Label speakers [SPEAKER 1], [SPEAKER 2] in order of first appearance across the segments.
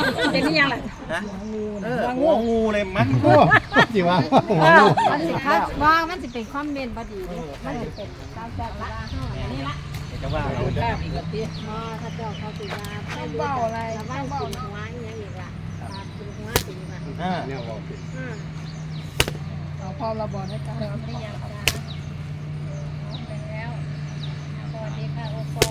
[SPEAKER 1] เป็นนี่ยังไง
[SPEAKER 2] นะหัวงูเลยมั้ง
[SPEAKER 3] โอ้จริงวะ
[SPEAKER 1] มันสิคัดว่ามันสิเป็นคอมเมนต์บดีมันสิเป็นตามจากละนี่ละ
[SPEAKER 2] จะว่าเรา
[SPEAKER 1] ได้อีกแล้วพี่ถ้าเจ้าเขาติดยาเขาเบาอะไรเบากินหัวอย่างนี้ละกินหัวติดละ
[SPEAKER 3] เนี่ยบอก
[SPEAKER 1] เอาพอเราบอกให้กันแล้วไม่ยังจ้าเป็นแล้วสวัสดีค่ะโอปอ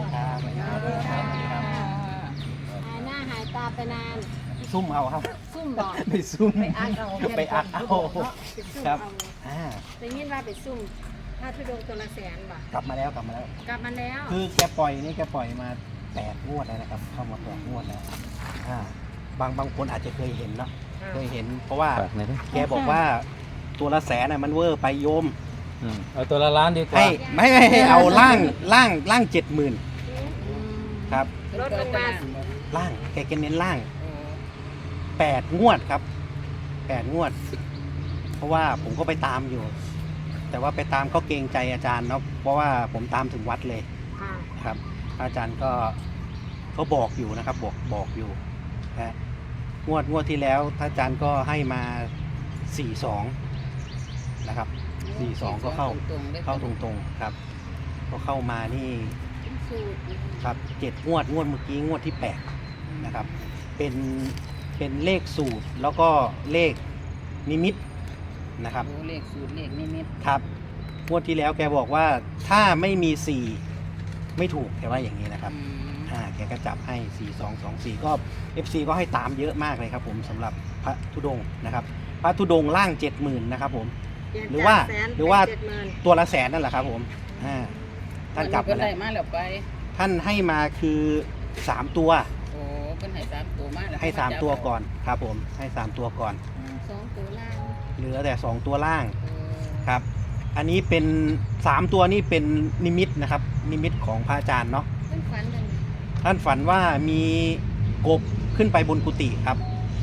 [SPEAKER 1] หายหน้าหายตาไปนาน
[SPEAKER 2] ซุ่มเอาครับ
[SPEAKER 1] ซุ่มบอก
[SPEAKER 2] ไปซุ่ม
[SPEAKER 1] ไปอักเอา
[SPEAKER 2] ไปอักเอาครับ
[SPEAKER 1] ได้ยินว่าไปซุ่มถ้าทุดงตัวละแสนบ่
[SPEAKER 2] กลับมาแล้ว
[SPEAKER 1] กลับมาแล้ว
[SPEAKER 2] คือแกปล่อยมา8 งวดแล้วนะครับ เข้ามา8 งวดแล้วบางคนอาจจะเคยเห็นเนาะเคยเห็น เพราะว่าแกบอกว่าตัวละแสนน่ะมันเวอร์ไปโยม
[SPEAKER 3] เอาตัวละล้านดีกว่า
[SPEAKER 2] ให้ไม่ให้เอาล่าง70,000ครับ
[SPEAKER 1] รถลงมา
[SPEAKER 2] ล่างแกเน้นล่าง8 งวดครับ8 งวด เพราะว่าผมก็ไปตามอยู่ แต่ว่าไปตามก็เกรงใจอาจารย์เนาะเพราะว่าผมตามถึงวัดเลยครับ อาจารย์ก็เขาบอกอยู่นะครับบอกอยู่นะงวดที่แล้วท่านอาจารย์ก็ให้มา42นะครับ42ก็เข้าตรงๆครับก็เข้ามานี่ครับ7 งวดเมื่อกี้งวดที่8นะครับเป็นเลขสูตรแล้วก็เลขนิมิตนะครับ
[SPEAKER 4] เลขสูตรเลขนิมิต
[SPEAKER 2] ครับงวดที่แล้วแกบอกว่าถ้าไม่มี4ไม่ถูกแกว่าอย่างนี้นะครับแกก็จับให้4224ก็ FC ก็ให้ตามเยอะมากเลยครับผมสำหรับพระธุดงค์นะครับพระธุดงค์ล่าง 70,000นะครับผมหรือว่าตัวละแสนนั่นแหละครับผมท่านจับมาแล้วท่านให้มาคือ3 ตัว
[SPEAKER 4] โอ้เพิ่นให้3 ตัวมาแล้ว
[SPEAKER 2] ให้3 ตัวก่อนครับผมให้3 ตัวก่อน
[SPEAKER 1] 2 ตัวล่าง
[SPEAKER 2] เหลือแต่2 ตัวล่างครับอันนี้เป็น3 ตัวนี่เป็นนิมิตนะครับนิมิตของพระอาจารย์เนาะท่านฝันว่ามีกบขึ้นไปบนกุฏิครับ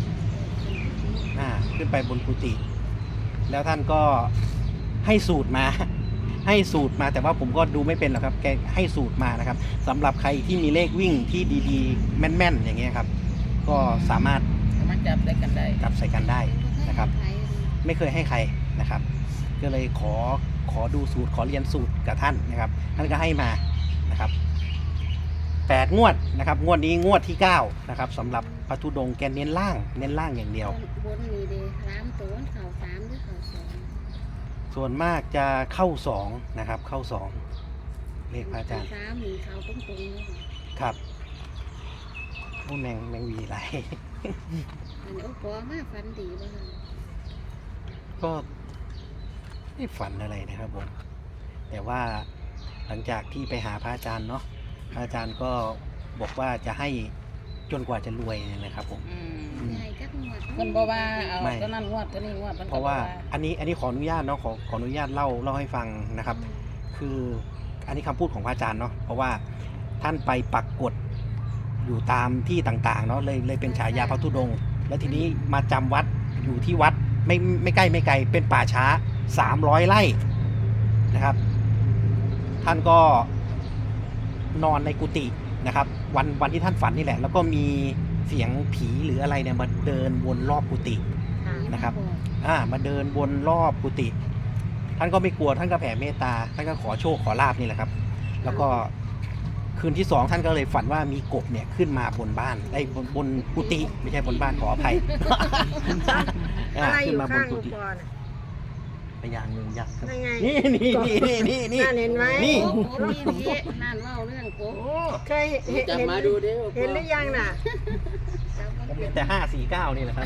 [SPEAKER 2] ขึ้นไปบนกุฏิแล้วท่านก็ให้สูตรมาแต่ว่าผมก็ดูไม่เป็นหรอกครับแกให้สูตรมานะครับสำหรับใครที่มีเลขวิ่งที่ดีๆแม่นๆอย่างเงี้ยครับก็สามารถ
[SPEAKER 4] จับใส่กัน
[SPEAKER 2] ได้นะครับไม่เคยให้ใครนะครับก็เลยขอดูสูตรขอเรียนสูตรกับท่านนะครับท่านก็ให้มานะครับ8 งวดนะครับงวดนี้งวดที่9นะครับสำหรับพระธุดงค์แกเน้นล่างอย่างเดียว
[SPEAKER 1] บนมีเด3 ตัวเข่า3หรือเข่า2
[SPEAKER 2] ส่วนมากจะเข้า2นะครับเข้า2เลขพระอาจารย์
[SPEAKER 1] 3มีเข่าตรงๆเลย
[SPEAKER 2] ครับโอ้แมงวีไร
[SPEAKER 1] อันโอ้ปอมาฝันดีบ่ล่ะ
[SPEAKER 2] ก็ไม่ฝันอะไรนะครับผมแต่ว่าหลังจากที่ไปหาพระอาจารย์เนาะพระอาจารย์ก็บอกว่าจะให้จนกว่าจะรวยนี่แหละครับผม
[SPEAKER 4] เพิ่นบอกว่าเอาตอนนั้นงวดตอนนี้งวด
[SPEAKER 2] เพราะว่าอันนี้ขออนุญาตเนาะขออนุญาตเล่าให้ฟังนะครับ คืออันนี้คำพูดของพระอาจารย์เนาะเพราะว่าท่านไปปักกฎอยู่ตามที่ต่างๆเนาะเลยเป็นฉายาพระธุดงค์แล้วทีนี้มาจำวัดอยู่ที่วัดไม่ใกล้ไม่ไกลเป็นป่าช้า300 ไร่นะครับท่านก็นอนในกุฏินะครับวันที่ท่านฝันนี่แหละแล้วก็มีเสียงผีหรืออะไรเนี่ยมาเดินวนรอบกุฏินะครับมาเดินวนรอบกุฏิท่านก็ไม่กลัวท่านก็แผ่เมตตาท่านก็ขอโชคขอลาภนี่แหละครับแล้วก็คืนที่2ท่านก็เลยฝันว่ามีกบเนี่ยขึ้นมาบนบ้านบนกุฏิไม่ใช่บนบ้านขออภัย
[SPEAKER 1] อะไรอยู่ข้างอุปกรณ์
[SPEAKER 2] พญางูยักษ์ครับ
[SPEAKER 1] นี่เห็นไหม
[SPEAKER 4] นี่นั่นเล่าเรื่องโก
[SPEAKER 1] เคยเห็นมาดูดิเห็นหรือยังน่ะ
[SPEAKER 2] แต่549นี่แหละครับ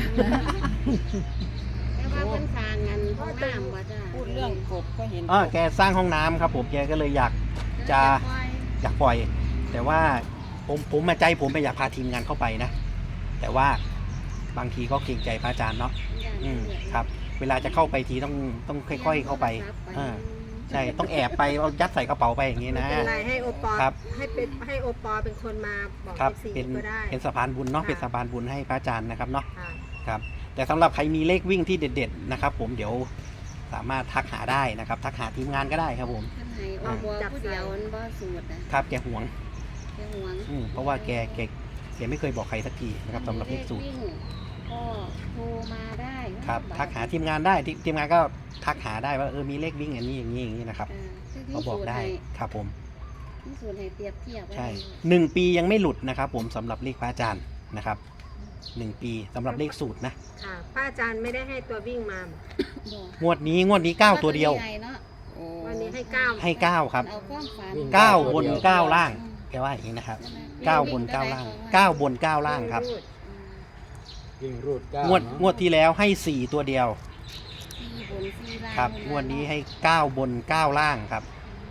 [SPEAKER 1] แต่ว่าเป็นทางงานห้องน้ำว่าจ้า
[SPEAKER 4] พูดเรื่องกบก็เห็น
[SPEAKER 2] แกสร้างห้องน้ำครับผมแกก็เลยอยากปล่อยแต่ว่าผมใจผมไม่อยากพาทีมงานเข้าไปนะแต่ว่าบางทีก็เกรงใจพระอาจารย์เนาะครับเวลาจะเข้าไปทีต้องค่อยๆเข้าไปใช่ต้องแอบไปเอายัดใส่กระเป๋าไปอย่างนี้นะ
[SPEAKER 1] เป็นไรให้โอปอ
[SPEAKER 2] ครับ
[SPEAKER 1] ให้โอปอเป็นคนมาบอก
[SPEAKER 2] เป็นสะพานบุญเนาะเป็นสะพานบุญให้พระอาจารย์นะครับเนาะครับแต่สำหรับใครมีเลขวิ่งที่เด็ดๆนะครับผมเดี๋ยวสามารถทักหาได้นะครับทักหาทีมงานก็ได้ครับผม
[SPEAKER 1] จับเดียวบ่สูตร
[SPEAKER 2] ครับแกหวงเพราะว่าแกแกไม่เคยบอกใครสักทีนะครับสำหรับเลขสูตร
[SPEAKER 1] วิ่งก็โทรมาได้
[SPEAKER 2] ครับทักหาทีมงานได้ทีมงานก็ทักหาได้ว่ามีเลขวิ่งอันนี้อย่างนี้อย่างนี้นะครับเขาบอกได้ครับผม
[SPEAKER 1] ที่สูตรให้เปรียบเทียบ
[SPEAKER 2] ใช่1 ปียังไม่หลุดนะครับผมสำหรับเลขพระอาจารย์นะครับ1 ปีสำหรับเลขสูตรนะ
[SPEAKER 1] ค่ะพระอาจารย์ไม่ได้ให้ตัววิ่งมาง
[SPEAKER 2] วดนี้9ตัวเดียว
[SPEAKER 1] วันนี้ให้9
[SPEAKER 2] ให้9ครับ
[SPEAKER 1] เอาความฝัน
[SPEAKER 2] 9 บน 9 ล่างแกว่าอย่างนี้นะครับ9 บน 9 ล่าง9 บน 9 ล่างครับ
[SPEAKER 3] วิ่งรูด9
[SPEAKER 2] งวดที่แล้วให้4ตัวเดียว
[SPEAKER 1] 4 บน 4 ล่าง
[SPEAKER 2] ครับงวดนี้ให้9 บน 9 ล่างครับ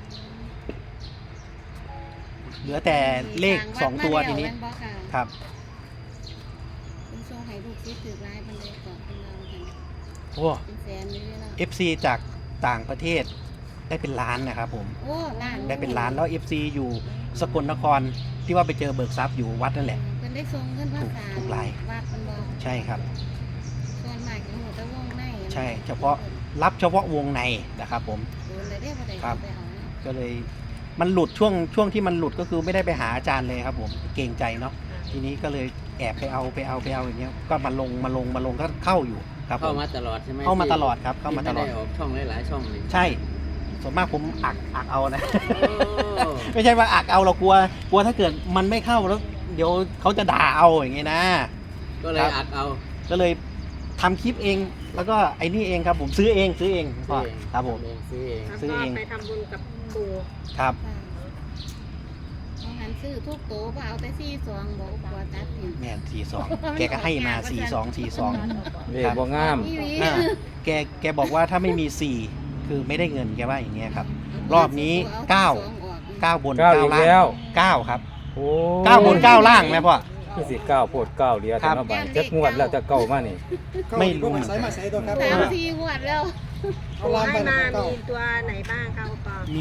[SPEAKER 2] เหลือแต่เลข2ตัวทีนี้ครับ
[SPEAKER 1] คุณโชว์ให้ลูกซิถือลายเป็นเลยก่อนเป็นเราค่ะ
[SPEAKER 2] โอ้
[SPEAKER 1] เป็นแสนเลยเนาะ
[SPEAKER 2] FC จากต่างประเทศได้เป็นล้านนะครับผม
[SPEAKER 1] โอ้ล้าน
[SPEAKER 2] ได้เป็นล้านแล้ว FC อยู่สกลนครที่ว่าไปเจอเบิกทรัพย์อยู่วัดนั่นแหละ
[SPEAKER 1] เป็นได้ทรงขึ้นภาษา
[SPEAKER 2] ถูกลาย
[SPEAKER 1] วัดมันบอก
[SPEAKER 2] ใช่ครับ
[SPEAKER 1] ส่วนมากจะหัวตะวงใน
[SPEAKER 2] ใช่เฉพาะรับเฉพาะวงในนะครับผม
[SPEAKER 1] โดนเลยได้บ่ได้
[SPEAKER 2] ครับ
[SPEAKER 1] ไปเอาเนาะ
[SPEAKER 2] ก็เลยมันหลุดช่วงที่มันหลุดก็คือไม่ได้ไปหาอาจารย์เลยครับผมเกรงใจเนาะทีนี้ก็เลยแอบไปเอาอย่างเงี้ยก็มาลงก็เข้าอยู่ครับผ
[SPEAKER 5] เข้าม มาตลอดใช่ไหม
[SPEAKER 2] เข้ามาตลอดครับเข้ามาตลอด
[SPEAKER 5] ไม่ได้ออกช่องหลายๆช่องเลย
[SPEAKER 2] ใช่ส่วนมากผมอักเอานะ
[SPEAKER 5] โอ้
[SPEAKER 2] ไม่ใช่ว่าอักเอาเรากลัวถ้าเกิดมันไม่เข้าแล้วเดี๋ยวเขาจะด่าเอาอย่างเงี้ยนะ
[SPEAKER 5] ก็เลยอัดเอา
[SPEAKER 2] ก็เลยทำคลิปเองแล้วก็ไอ้นี่เองครับผมซื้อเองพ่อครับผม
[SPEAKER 5] ซื้อเอง
[SPEAKER 2] ซื้อเอง
[SPEAKER 1] ไปทำบุญกับปู่
[SPEAKER 2] ครับ
[SPEAKER 1] มองหันซื้อทุกโตก็เอาแต่42บอกกลัวตัดถิ่น
[SPEAKER 2] แม่น42แกก็ให้มา42
[SPEAKER 3] เลขบ่งาม
[SPEAKER 1] อีหลี
[SPEAKER 2] อ่าแกบอกว่าถ้าไม่มี4คือไม่ได้เงินแกว่าอย่างเงี้ยครับ รอบนี้9 บน
[SPEAKER 3] 9 อีก
[SPEAKER 2] 9 ล่า
[SPEAKER 3] แล้ว
[SPEAKER 2] ง9ครับ
[SPEAKER 3] โอ้
[SPEAKER 2] 9 บน 9 ล่างนะพ่อ
[SPEAKER 3] คือสิ9โพด9เหลีย
[SPEAKER 2] ครั
[SPEAKER 3] แต่
[SPEAKER 2] บ
[SPEAKER 3] เนาะบาดจักงวดแล้วจะเก้ามานี่
[SPEAKER 2] ไม่รู้เหมือน
[SPEAKER 6] ใส่
[SPEAKER 2] กัน
[SPEAKER 6] มาใส่ตัวครับ
[SPEAKER 1] 3-4งวดแล้ว
[SPEAKER 6] เอาลามไป
[SPEAKER 1] ให้
[SPEAKER 6] นะ
[SPEAKER 1] มา
[SPEAKER 6] เก้า
[SPEAKER 1] มีตัวไหนบ้างครับปอ
[SPEAKER 2] มี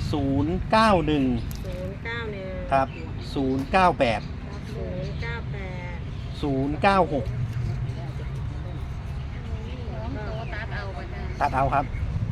[SPEAKER 2] 091
[SPEAKER 1] 091
[SPEAKER 2] ครับ 098
[SPEAKER 1] 098
[SPEAKER 2] 096
[SPEAKER 1] ตัดเอาไปจ้ะ
[SPEAKER 2] ตัดเอาครับ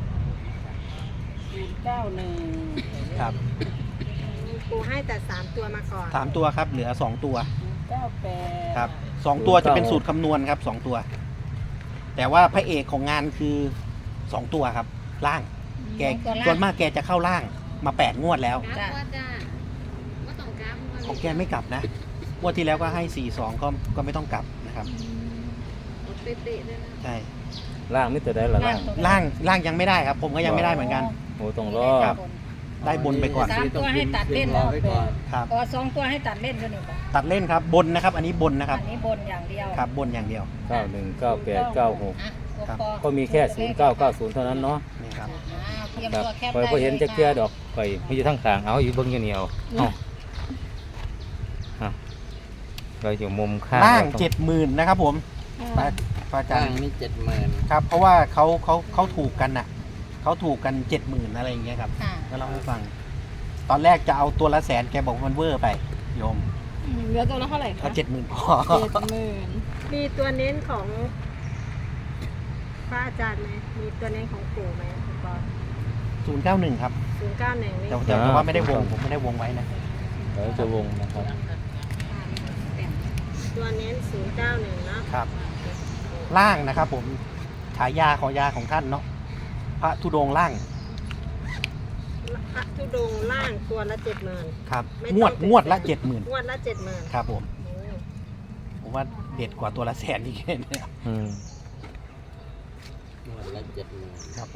[SPEAKER 4] 91
[SPEAKER 2] ครับ
[SPEAKER 1] ปูให้แต่3ตัวมาก่อน
[SPEAKER 2] 3ตัวครับเหลือ2ตัว
[SPEAKER 4] 98
[SPEAKER 2] ครับ2ตัวจะเป็นสูตรคำนวณครับ2ตัว แต่ว่าพระเอกของงานคือ2ตัวครับล่างแกส่วนมากแกจะเข้าล่างมา8 งวดแล้ว
[SPEAKER 1] กราฟว่าจ้าว่าต้องกราฟ
[SPEAKER 2] ของแกไม่กลับนะงวดที่แล้วก็ให้42ก็ไม่ต้องกลับนะครับ
[SPEAKER 1] เป๊ะๆเลยนะ
[SPEAKER 2] ใช่
[SPEAKER 3] ล่างนี่ตัวใดล่ะล่าง
[SPEAKER 2] ล่างยังไม่ได้ครับ ผมก็ยังไม่ได้เหมือนกัน
[SPEAKER 3] โอ้ต้องรอ
[SPEAKER 2] ครับ ได้บนไปก่อน
[SPEAKER 5] 3 ตัวให้ตัดเล่นแล้ว
[SPEAKER 2] ครับ
[SPEAKER 7] อ๋อ2 ตัวให้ตัดเล่นด้วยนี่ป่ะ
[SPEAKER 2] ตัดเล่นครับบนนะครับ อันนี้บนนะครับ
[SPEAKER 7] อันนี้บนอย่างเดียว
[SPEAKER 2] ครับบนอย่างเดียว
[SPEAKER 3] 91 98 96
[SPEAKER 7] อ่ะ
[SPEAKER 2] ครับ
[SPEAKER 7] ปอ
[SPEAKER 3] ก็มีแค่0990เท่านั้นเนาะ
[SPEAKER 2] นี่ครับ
[SPEAKER 7] เตรียม
[SPEAKER 3] ครับ
[SPEAKER 7] ตัวแคป
[SPEAKER 3] คอย
[SPEAKER 7] ได้
[SPEAKER 3] บ่เห็นจักเทื่อ
[SPEAKER 7] ลย
[SPEAKER 3] ดอกข่อยมีอยู่ทั้งข้างเอาอยู่เบิ่งอยู่นี่เอาเราอยู่มุมข้าง
[SPEAKER 2] ล่าง
[SPEAKER 3] เรต้อง
[SPEAKER 2] 70,000นะครับผมพระอาจา
[SPEAKER 5] จ้าร ง
[SPEAKER 2] ย์
[SPEAKER 5] นี่70,000
[SPEAKER 2] ครับ เพราะว่าเขาถูกกันน่ะเขาถูกกัน 70,000อะไรอย่างเงี้ยครับ
[SPEAKER 7] ค่ะ
[SPEAKER 2] ก็เล่าให้ฟัง ตอนแรกจะเอาตัวละ100,000แกบอกมันเวอร์ไปโยม
[SPEAKER 7] เหลือตัวละเท่าไหร่
[SPEAKER 2] เอา
[SPEAKER 7] คะ
[SPEAKER 2] 70,000พอ
[SPEAKER 1] มีตัวเน้นของพระอาจารย์ไหมมีตัวเน้นของปู่ไหมคุณปอ
[SPEAKER 2] 091ครับ
[SPEAKER 1] 091นี่
[SPEAKER 2] แต่ว่าไม่ได้วงผมไม่ได้วงไว้นะ
[SPEAKER 3] เดี๋ยวจะวงนะครับ
[SPEAKER 1] ตัวเน้น091เนาะ
[SPEAKER 2] ครับ ล่างนะครับผมฉายาของท่านเนาะพระธุดงค์ล่าง
[SPEAKER 1] พระธุดงค์ล่างตัวละ70,000
[SPEAKER 2] ครับ
[SPEAKER 1] ไม่ต้อง
[SPEAKER 2] งวดละ 70,000
[SPEAKER 1] งวดละ70,000
[SPEAKER 2] ครับผมผมว่าเด็ดกว่าตัวละ100,000อีกเนี่ย
[SPEAKER 3] อืม
[SPEAKER 5] งวดละ70,000
[SPEAKER 2] ครับผม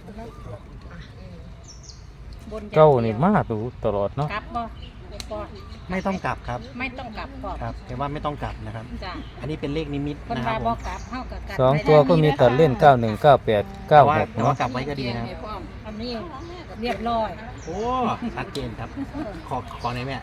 [SPEAKER 7] บนอย่าง
[SPEAKER 3] เก้า
[SPEAKER 7] ดียว
[SPEAKER 3] นี่มาดูตลอดเนาะ
[SPEAKER 7] กลับบ่ปอ
[SPEAKER 2] ไม่ต้องกลับครับ
[SPEAKER 7] ไม่ต้องกลับก่อน
[SPEAKER 2] ครับแต่ว่าไม่ต้องกลับนะครับ
[SPEAKER 7] จ้ะ
[SPEAKER 2] อันนี้เป็นเลขนิมิต
[SPEAKER 7] คน
[SPEAKER 2] นะครับ
[SPEAKER 7] ว่า
[SPEAKER 2] ผ
[SPEAKER 7] บ่
[SPEAKER 2] ม
[SPEAKER 7] กลับเฮากับกลับ
[SPEAKER 3] สอง
[SPEAKER 7] ไป
[SPEAKER 3] ตัวก็มีตัดเล่น 91 98
[SPEAKER 2] แต่ว่า
[SPEAKER 3] 96 เนาะ
[SPEAKER 2] กลับไว้ก็ดีนะครับ
[SPEAKER 7] อันนี้เรียบร้อย
[SPEAKER 2] โอ้ชัดเจนครับ ขอไหนอยแม่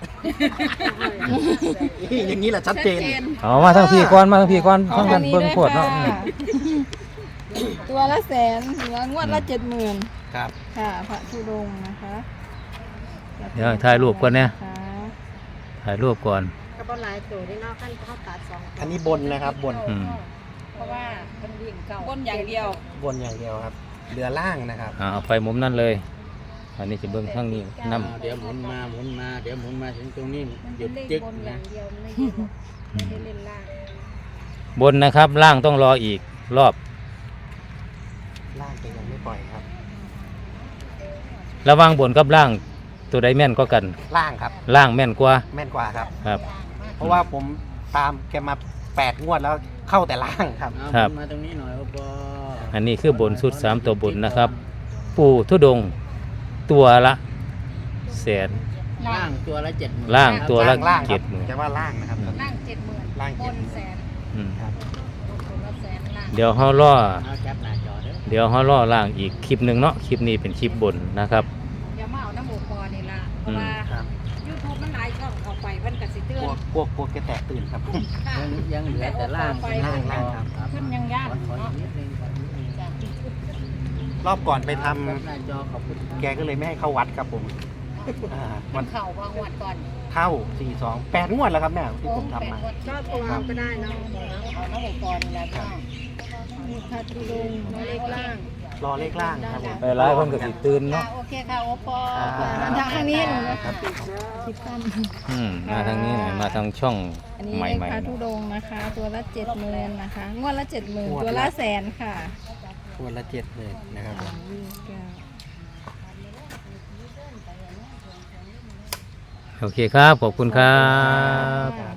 [SPEAKER 2] อย่างนี้แหละชัดเจน
[SPEAKER 3] เอามาทั้งพี่ก่อนมาทั้งพี่ก่อนทั้งกันเบิ่งโพดเนาะอืม
[SPEAKER 8] ตัวละแสนหรือว่างวดละ70,000
[SPEAKER 2] ครับ
[SPEAKER 8] ค่ะพระธุดงค์นะคะ
[SPEAKER 3] เดี๋ยวถ่ายรูปก่อนเนี่ย
[SPEAKER 8] ค่ะ
[SPEAKER 3] ถ่ายรูปก่อน
[SPEAKER 1] ก็บ่หลายตัวที่นอกขั้นเขาตัด2ตัว
[SPEAKER 2] อันนี้บนนะครับบน
[SPEAKER 3] อืม
[SPEAKER 7] เพราะว่าเป็นวิ่งเก่า
[SPEAKER 4] บนอย่างเดียว
[SPEAKER 2] บนอย่างเดียวครับเหลือล่างนะครับ
[SPEAKER 3] เอาไปมุมนั่นเลยอันนี้จะเบิ่งทางนี้นำ
[SPEAKER 5] เดี๋ยวหมุนมาเดี๋ยวหมุนมาถึงตรงนี้
[SPEAKER 7] มัน
[SPEAKER 5] หยุ
[SPEAKER 7] เป็น
[SPEAKER 5] ด
[SPEAKER 7] เลข
[SPEAKER 5] จึ๊ก
[SPEAKER 7] บนอ
[SPEAKER 5] นะ
[SPEAKER 7] ย่างเดียวไม่ได้เล่นล่าง
[SPEAKER 3] บนนะครับล่างต้องรออีกรอบ
[SPEAKER 2] ล่างจะยังไม่ปล่อยครับ
[SPEAKER 3] ระหว่างบนกับล่างตัวใดแม่นก็กัน
[SPEAKER 2] ล่างครับ
[SPEAKER 3] ล่างแม่นกว่า
[SPEAKER 2] แม่นกว่าครับ
[SPEAKER 3] ครับ
[SPEAKER 2] เพราะว่าผมตามแกมา8งวดแล้วเข้าแต่ล่างครับ
[SPEAKER 5] เอา
[SPEAKER 3] ครับ
[SPEAKER 5] หมุนมาตรงนี้หน่อยโอปอ
[SPEAKER 3] อันนี้คือบนสุด3ตัวบนนะครับ ปู่ธุดงค์ตัวละแสน
[SPEAKER 5] ล่างตัวละ70,000
[SPEAKER 3] ล่างตัวละ
[SPEAKER 2] ล่างครับ
[SPEAKER 3] 70,000
[SPEAKER 2] จะว่าล่างนะครับ
[SPEAKER 7] ล่าง70,000
[SPEAKER 2] ล่าง
[SPEAKER 7] บนแสน
[SPEAKER 3] อืม
[SPEAKER 2] ครับ
[SPEAKER 7] บนละแสนล่าง
[SPEAKER 3] เดี๋ยวเฮารอ
[SPEAKER 5] เอาแคปหน้าจอเด้อ
[SPEAKER 3] เดี๋ยวเฮารอล่างอีกคลิปหนึงเนาะคลิปนี้เป็นคลิปบนนะครับ
[SPEAKER 7] อย่ามาเอาน้ำหมูปอนี่ล่ะเพราะว่า
[SPEAKER 2] ครับ
[SPEAKER 7] YouTube มันหลายช่องเข้าไปเพิ่นก็สิเตื
[SPEAKER 2] ก
[SPEAKER 7] อ
[SPEAKER 2] ลัวน กลัวแกแตกตื่นครับ
[SPEAKER 7] ค่ะ
[SPEAKER 5] ยังเหลือแต่ล่าง
[SPEAKER 2] ล่างครับ
[SPEAKER 7] ขึ้นยังยาก
[SPEAKER 5] ขอ
[SPEAKER 7] เนาะ
[SPEAKER 5] อีกนิดนึงขออีกนิดนึง
[SPEAKER 7] จ้ะ
[SPEAKER 2] รอบก่อนไปทำ
[SPEAKER 5] แคปหน้าจอขอบคุณ
[SPEAKER 2] แกก็เลยไม่ให้เข้าวัดครับผม
[SPEAKER 7] มั
[SPEAKER 2] มัน
[SPEAKER 7] นเข่าบางวัดก่อน
[SPEAKER 2] เข้า42 8งวดแล้วครับแม่ที่ผมทำมา
[SPEAKER 1] ก็ตัวเอาก็ได้เนาะ
[SPEAKER 7] เอาน้ำหมูปอนี่แหละค่ะ
[SPEAKER 1] มีคาทูลงน้อยเล็กล่าง
[SPEAKER 2] รอเลขล่างครับผม
[SPEAKER 3] ไปหลายคนก็สิตื่นเนาะ
[SPEAKER 7] โอเคค่ะโอปอ
[SPEAKER 8] ทางนี้หนูนะ
[SPEAKER 2] ครั
[SPEAKER 8] คะ
[SPEAKER 2] บ
[SPEAKER 8] คิดตั้น
[SPEAKER 3] มาทางนี้หน่อยมาทางช่อง
[SPEAKER 8] อันนี้
[SPEAKER 3] ให
[SPEAKER 8] เลข
[SPEAKER 3] ม่
[SPEAKER 8] พระ
[SPEAKER 3] ๆ
[SPEAKER 8] ธุ
[SPEAKER 3] เนาะ
[SPEAKER 8] ดงค์นะคะ ตัวละ70,000นะคะ งวดละ70,000ตัวละแสนค่ะ
[SPEAKER 2] ตัวละ70,000นะครับผม
[SPEAKER 3] โอเคครับ ขอบคุณครับ